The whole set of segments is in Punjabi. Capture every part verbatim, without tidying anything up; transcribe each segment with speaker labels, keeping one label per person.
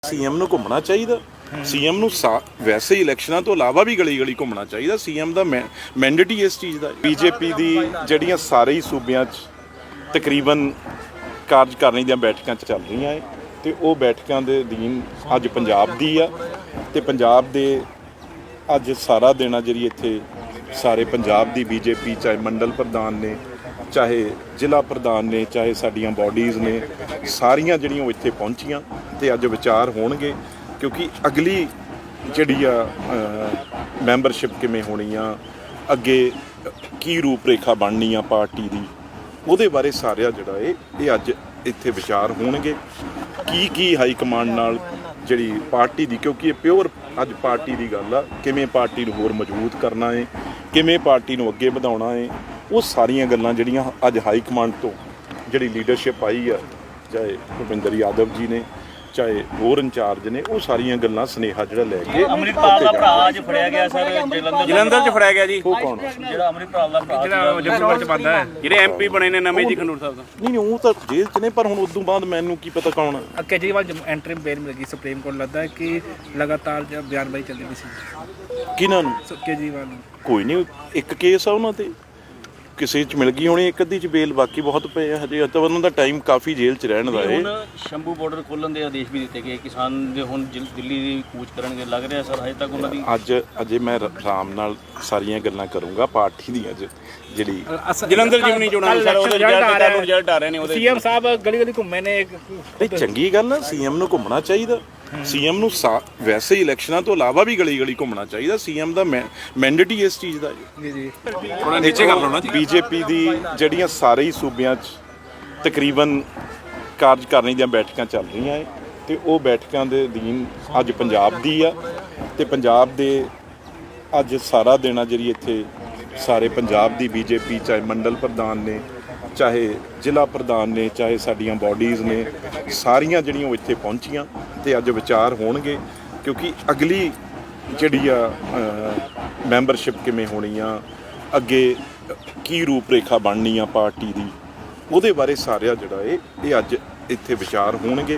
Speaker 1: ਸੀਐਮ ਨੂੰ ਘੁੰਮਣਾ ਚਾਹੀਦਾ। ਸੀਐਮ ਨੂੰ ਵੈਸੇ ਹੀ ਇਲੈਕਸ਼ਨਾਂ ਤੋਂ ਇਲਾਵਾ ਵੀ ਗਲੀ ਗਲੀ ਘੁੰਮਣਾ ਚਾਹੀਦਾ। ਸੀਐਮ ਦਾ ਮੈਂਡੇਟ ਹੀ ਇਸ ਚੀਜ਼ ਦਾ। ਬੀਜੇਪੀ ਦੀ ਜਿਹੜੀਆਂ ਸਾਰੇ ਹੀ ਸੂਬਿਆਂ 'ਚ ਤਕਰੀਬਨ ਕਾਰਜਕਾਰਨੀ ਦੀਆਂ ਬੈਠਕਾਂ 'ਚ ਚੱਲ ਰਹੀਆਂ ਹੈ ਤੇ ਉਹ ਬੈਠਕਾਂ ਦੇ ਅਧੀਨ ਅੱਜ ਪੰਜਾਬ ਦੀ ਆ ਤੇ ਪੰਜਾਬ ਦੇ ਅੱਜ ਸਾਰਾ ਦਿਨ ਆ ਜਿਹੜੀ ਇੱਥੇ ਸਾਰੇ ਪੰਜਾਬ ਦੀ ਬੀਜੇਪੀ ਚਾਹੇ ਮੰਡਲ ਪ੍ਰਧਾਨ ਨੇ, ਚਾਹੇ ਜ਼ਿਲ੍ਹਾ ਪ੍ਰਧਾਨ ਨੇ, ਚਾਹੇ ਸਾਡੀਆਂ ਬਾਡੀਜ਼ ਨੇ, ਸਾਰੀਆਂ ਜਿਹੜੀਆਂ ਉਹ ਇੱਥੇ ਪਹੁੰਚੀਆਂ ਤੇ ਅੱਜ ਵਿਚਾਰ ਹੋਣਗੇ ਕਿਉਂਕਿ ਅਗਲੀ ਜਿਹੜੀ ਆ ਮੈਂਬਰਸ਼ਿਪ ਕਿਵੇਂ ਹੋਣੀ ਆ, ਅੱਗੇ ਕੀ ਰੂਪ ਰੇਖਾ ਬਣਨੀ ਆ ਪਾਰਟੀ ਦੀ, ਉਹਦੇ ਬਾਰੇ ਸਾਰਿਆ ਜਿਹੜਾ ਇਹ ਇਹ ਅੱਜ ਇੱਥੇ ਵਿਚਾਰ ਹੋਣਗੇ। ਕੀ ਕੀ ਹਾਈ ਕਮਾਂਡ ਨਾਲ ਜਿਹੜੀ ਪਾਰਟੀ ਦੀ, ਕਿਉਂਕਿ ਇਹ ਪਿਓਰ ਅੱਜ ਪਾਰਟੀ ਦੀ ਗੱਲ ਆ, ਕਿਵੇਂ ਪਾਰਟੀ ਨੂੰ ਹੋਰ ਮਜ਼ਬੂਤ ਕਰਨਾ ਹੈ, ਕਿਵੇਂ ਪਾਰਟੀ ਨੂੰ ਅੱਗੇ ਵਧਾਉਣਾ ਹੈ, ਉਹ ਸਾਰੀਆਂ ਗੱਲਾਂ ਜਿਹੜੀਆਂ ਅੱਜ ਹਾਈ ਕਮਾਂਡ ਤੋਂ ਜਿਹੜੀ ਲੀਡਰਸ਼ਿਪ ਆਈ ਆ, ਚਾਹੇ ਭੁਪਿੰਦਰ ਯਾਦਵ ਜੀ ਨੇ, ਚਾਹੇ ਹੋਰ ਇੰਚਾਰਜ ਨੇ, ਉਹ ਸਾਰੀਆਂ ਗੱਲਾਂ ਸੁਨੇਹਾ ਜਿਹੜਾ ਲੈ ਕੇ
Speaker 2: ਅੰਮ੍ਰਿਤਪਾਲ ਦਾ ਭਰਾ ਅੱਜ ਫੜਿਆ ਗਿਆ ਸਰ, ਜਲੰਧਰ
Speaker 3: ਜਲੰਧਰ 'ਚ ਫੜਿਆ ਗਿਆ ਜੀ।
Speaker 1: ਉਹ ਕੌਣ?
Speaker 2: ਜਿਹੜਾ ਅੰਮ੍ਰਿਤਪਾਲ ਦਾ ਭਰਾ
Speaker 3: ਜਿਹੜਾ ਜੰਮੂ 'ਚ ਬੰਦਾ ਹੈ, ਜਿਹੜੇ ਐਮਪੀ ਬਣੇ ਨੇ ਨਵੇਂ ਜੀ ਖੰਡੂਰ ਸਾਹਿਬ ਦਾ।
Speaker 1: ਨਹੀਂ ਨਹੀਂ ਉਹ ਤਾਂ ਜੇਲ੍ਹ 'ਚ ਨੇ, ਪਰ ਹੁਣ ਉਦੋਂ ਬਾਅਦ ਮੈਨੂੰ ਕੀ ਪਤਾ ਕੌਣ ਆ।
Speaker 4: ਕੇਜਰੀਵਾਲ ਐਂਟਰੀ ਬੇਲ ਮਿਲ ਗਈ ਸੁਪਰੀਮ ਕੋਰਟ, ਲੱਗਦਾ ਹੈ ਕਿ ਲਗਾਤਾਰ ਬਿਆਨਬਾਜ਼ੀ ਚੱਲਦੀ ਪਈ ਸੀ
Speaker 1: ਕਿਹਨਾਂ ਨੂੰ?
Speaker 4: ਕੇਜਰੀਵਾਲ ਨੂੰ।
Speaker 1: ਕੋਈ ਨਹੀਂ, ਇੱਕ ਕੇਸ ਆ ਉਹਨਾਂ ਤੇ, ਕਿਸੇ 'ਚ ਮਿਲ ਗਈ ਹੋਣੀ, ਇੱਕ ਅੱਧੀ 'ਚ ਬੇਲ, ਬਾਕੀ ਬਹੁਤ ਪਏ ਆ ਹਜੇ। ਤਾਂ ਉਹਨਾਂ ਦਾ ਟਾਈਮ ਕਾਫੀ ਜੇਲ੍ਹ 'ਚ ਰਹਿਣ ਦਾ ਹੈ।
Speaker 2: ਹੁਣ ਸ਼ੰਭੂ ਬਾਰਡਰ ਖੋਲ੍ਹਣ ਦੇ ਆਦੇਸ਼ ਵੀ ਦਿੱਤੇ ਗਏ, ਕਿਸਾਨ ਦੇ ਹੁਣ ਦਿੱਲੀ ਦੀ ਕੂਚ ਕਰਨਗੇ, ਲੱਗ ਰਿਹਾ ਸਰ ਹਜੇ ਤੱਕ ਉਹਨਾਂ ਦੀ।
Speaker 1: ਅੱਜ ਅਜੇ ਮੈਂ ਆਰਾਮ ਨਾਲ ਸਾਰੀਆਂ ਗੱਲਾਂ ਕਰੂੰਗਾ ਪਾਰਟੀ ਦੀਆਂ ਅੱਜ ਜਿਹੜੀ
Speaker 3: ਜਲੰਧਰ ਜਿਮਨੀ ਚੋਣਾਂ ਸਰ, ਉਹਦੇ ਰਿਜ਼ਲਟ ਆ ਰਹੇ ਨੇ। ਉਹਦੇ
Speaker 4: ਸੀਐਮ ਸਾਹਿਬ ਗਲੀ ਗਲੀ ਘੁੰਮੇ ਨੇ।
Speaker 1: ਇਹ ਚੰਗੀ ਗੱਲ ਆ, ਸੀਐਮ ਨੂੰ ਘੁੰਮਣਾ ਚਾਹੀਦਾ। ਸੀਐਮ ਨੂੰ ਵੈਸੇ ਹੀ ਇਲੈਕਸ਼ਨਾਂ ਤੋਂ ਇਲਾਵਾ ਵੀ ਗਲੀ ਗਲੀ ਘੁੰਮਣਾ ਚਾਹੀਦਾ। ਸੀਐਮ ਦਾ ਮੈਂਡੇਟ ਹੀ ਇਸ ਚੀਜ਼ ਦਾ
Speaker 4: ਜੀ ਜੀ
Speaker 3: ਥੋੜਾ ਨੀਚੇ ਕਰ ਲਓ ਨਾ।
Speaker 1: ਬੀਜੇਪੀ ਦੀ ਜਿਹੜੀਆਂ ਸਾਰੇ ਹੀ ਸੂਬਿਆਂ 'ਚ ਤਕਰੀਬਨ ਕਾਰਜਕਾਰਨੀ ਦੀਆਂ ਬੈਠਕਾਂ ਚੱਲ ਰਹੀਆਂ ਹੈ ਤੇ ਉਹ ਬੈਠਕਾਂ ਦੇ ਅਧੀਨ ਅੱਜ ਪੰਜਾਬ ਦੀ ਆ ਤੇ ਪੰਜਾਬ ਦੇ ਅੱਜ ਸਾਰਾ ਦਿਨ ਆ ਜਿਹੜੀ ਇੱਥੇ ਸਾਰੇ ਪੰਜਾਬ ਦੀ ਬੀਜੇਪੀ ਚਾਹੇ ਮੰਡਲ ਪ੍ਰਧਾਨ ਨੇ, ਚਾਹੇ ਜ਼ਿਲ੍ਹਾ ਪ੍ਰਧਾਨ ਨੇ, ਚਾਹੇ ਸਾਡੀਆਂ ਬਾਡੀਜ਼ ਨੇ, ਸਾਰੀਆਂ ਜਿਹੜੀਆਂ ਉਹ ਇੱਥੇ ਪਹੁੰਚੀਆਂ ਤੇ ਅੱਜ ਵਿਚਾਰ ਹੋਣਗੇ ਕਿਉਂਕਿ ਅਗਲੀ ਜਿਹੜੀ ਆ ਮੈਂਬਰਸ਼ਿਪ ਕਿਵੇਂ ਹੋਣੀ ਆ, ਅੱਗੇ ਕੀ ਰੂਪ ਰੇਖਾ ਬਣਨੀ ਆ ਪਾਰਟੀ ਦੀ, ਉਹਦੇ ਬਾਰੇ ਸਾਰਿਆ ਜਿਹੜਾ ਇਹ ਇਹ ਅੱਜ ਇੱਥੇ ਵਿਚਾਰ ਹੋਣਗੇ।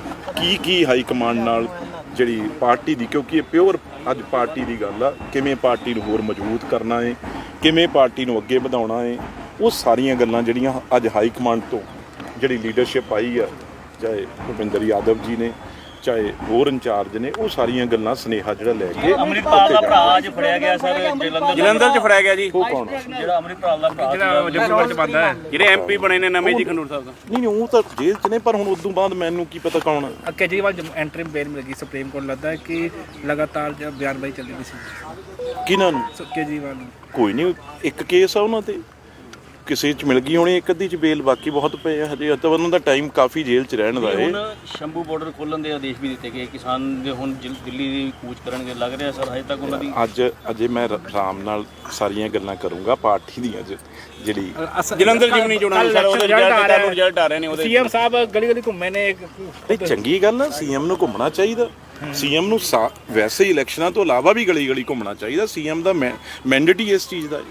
Speaker 1: ਕੀ ਕੀ ਹਾਈ ਕਮਾਂਡ ਨਾਲ ਜਿਹੜੀ ਪਾਰਟੀ ਦੀ, ਕਿਉਂਕਿ ਇਹ ਪਿਓਰ ਅੱਜ ਪਾਰਟੀ ਦੀ ਗੱਲ ਆ, ਕਿਵੇਂ ਪਾਰਟੀ ਨੂੰ ਹੋਰ ਮਜ਼ਬੂਤ ਕਰਨਾ ਹੈ, ਕਿਵੇਂ ਪਾਰਟੀ ਨੂੰ ਅੱਗੇ ਵਧਾਉਣਾ ਹੈ, ਉਹ ਸਾਰੀਆਂ ਗੱਲਾਂ ਜਿਹੜੀਆਂ ਅੱਜ ਹਾਈ ਕਮਾਂਡ ਤੋਂ ਜਿਹੜੀ ਲੀਡਰਸ਼ਿਪ ਆਈ ਆ, ਚਾਹੇ ਭੁਪਿੰਦਰ ਯਾਦਵ ਜੀ ਨੇ, ਚਾਹੇ ਹੋਰ ਇੰਚਾਰਜ ਨੇ, ਉਹ ਸਾਰੀਆਂ ਗੱਲਾਂ ਸੁਨੇਹਾ ਜਿਹੜਾ ਲੈ ਕੇ
Speaker 2: ਅੰਮ੍ਰਿਤਪਾਲ ਦਾ ਭਰਾ ਅੱਜ ਫੜਿਆ ਗਿਆ ਸਰ, ਜਲੰਧਰ
Speaker 3: ਜਲੰਧਰ 'ਚ ਫੜਿਆ ਗਿਆ ਜੀ।
Speaker 1: ਉਹ ਕੌਣ?
Speaker 2: ਜਿਹੜਾ ਅੰਮ੍ਰਿਤਪਾਲ ਦਾ ਭਰਾ
Speaker 3: ਜਿਹੜਾ ਜੰਮੂ 'ਚ ਬੰਦਾ ਹੈ, ਜਿਹੜੇ ਐਮਪੀ ਬਣੇ ਨੇ ਨਵੇਂ ਜੀ ਖੰਡੂਰ ਸਾਹਿਬ ਦਾ।
Speaker 1: ਨਹੀਂ ਨਹੀਂ ਉਹ ਤਾਂ ਜੇਲ੍ਹ 'ਚ ਨੇ, ਪਰ ਹੁਣ ਉਦੋਂ ਬਾਅਦ ਮੈਨੂੰ ਕੀ ਪਤਾ ਕੌਣ ਆ।
Speaker 4: ਕੇਜਰੀਵਾਲ ਐਂਟਰੀ ਬੇਲ ਮਿਲ ਗਈ ਸੁਪਰੀਮ ਕੋਰਟ, ਲੱਗਦਾ ਹੈ ਕਿ ਲਗਾਤਾਰ ਬਿਆਨਬਾਜ਼ੀ ਚੱਲਦੀ ਪਈ ਸੀ
Speaker 1: ਕਿਹਨਾਂ ਨੂੰ?
Speaker 4: ਕੇਜਰੀਵਾਲ ਨੂੰ।
Speaker 1: ਕੋਈ ਨਹੀਂ, ਇੱਕ ਕੇਸ ਆ ਉਹਨਾਂ ਤੇ, ਕਿਸੇ 'ਚ ਮਿਲ ਗਈ ਹੋਣੀ, ਇੱਕ ਅੱਧੀ 'ਚ ਬੇਲ, ਬਾਕੀ ਬਹੁਤ ਪਏ ਆ ਹਜੇ। ਤਾਂ ਉਹਨਾਂ ਦਾ ਟਾਈਮ ਕਾਫੀ ਜੇਲ੍ਹ 'ਚ ਰਹਿਣ ਦਾ ਹੈ।
Speaker 2: ਹੁਣ ਸ਼ੰਭੂ ਬਾਰਡਰ ਖੋਲ੍ਹਣ ਦੇ ਆਦੇਸ਼ ਵੀ ਦਿੱਤੇ ਗਏ, ਕਿਸਾਨ ਦੇ ਹੁਣ ਦਿੱਲੀ ਦੀ ਕੂਚ ਕਰਨਗੇ, ਲੱਗ ਰਿਹਾ ਸਰ ਹਜੇ ਤੱਕ ਉਹਨਾਂ ਦੀ।
Speaker 1: ਅੱਜ ਅਜੇ ਮੈਂ ਆਰਾਮ ਨਾਲ ਸਾਰੀਆਂ ਗੱਲਾਂ ਕਰੂੰਗਾ ਪਾਰਟੀ ਦੀਆਂ ਅੱਜ ਜਿਹੜੀ
Speaker 3: ਜਲੰਧਰ ਜਿਮਨੀ ਚੋਣਾਂ ਸਰ, ਉਹਦੇ ਰਿਜ਼ਲਟ ਆ ਰਹੇ ਨੇ। ਉਹਦੇ
Speaker 4: ਸੀਐਮ ਸਾਹਿਬ ਗਲੀ ਗਲੀ ਘੁੰਮੇ ਨੇ।
Speaker 1: ਇਹ ਚੰਗੀ ਗੱਲ ਆ, ਸੀਐਮ ਨੂੰ ਘੁੰਮਣਾ ਚਾਹੀਦਾ। ਸੀਐਮ ਨੂੰ ਵੈਸੇ ਹੀ ਇਲੈਕਸ਼ਨਾਂ ਤੋਂ ਇਲਾਵਾ ਵੀ ਗਲੀ ਗਲੀ ਘੁੰਮਣਾ ਚਾਹੀਦਾ। ਸੀਐਮ ਦਾ ਮੈਂਡੇਟ ਹੀ ਇਸ ਚੀਜ਼ ਦਾ।